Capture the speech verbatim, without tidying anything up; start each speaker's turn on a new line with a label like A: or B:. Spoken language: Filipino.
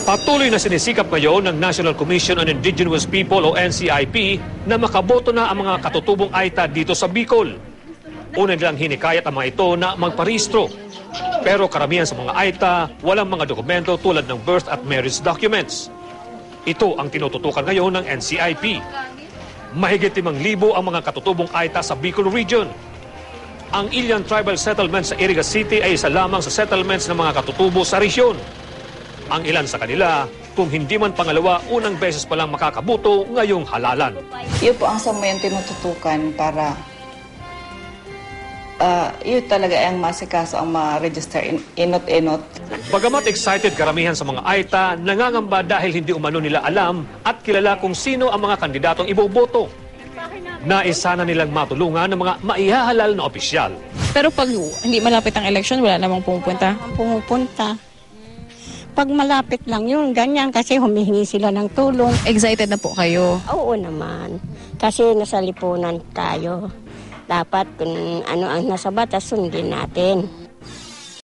A: Patuloy na sinisikap ngayon ng National Commission on Indigenous People o N C I P na makaboto na ang mga katutubong Aita dito sa Bicol. Una nilang hinikayat ang mga ito na magparehistro. Pero karamihan sa mga Aita, walang mga dokumento tulad ng birth at marriage documents. Ito ang tinututukan ngayon ng N C I P. Mahigit limang libo ang mga katutubong Aita sa Bicol Region. Ang Ilian Tribal Settlement sa Iriga City ay isa lamang sa settlements ng mga katutubo sa resyon. Ang ilan sa kanila, kung hindi man pangalawa, unang beses pa lang makakabuto ngayong halalan.
B: Yun po ang samayang tinututukan para uh, yun talaga ang masikaso ang ma-register in, inot-inot.
A: Bagamat excited karamihan sa mga Aita, nangangamba dahil hindi umano nila alam at kilala kung sino ang mga kandidatong iboboto. Nais sana nilang matulungan ng mga maihahalal na opisyal.
C: Pero pag hindi malapit ang election, wala namang pumupunta?
D: Pumupunta. Pag malapit lang yun, ganyan, kasi humihingi sila ng tulong.
C: Excited na po kayo?
D: Oo naman, kasi nasa lipunan tayo. Dapat kung ano ang nasa batas, sundin natin.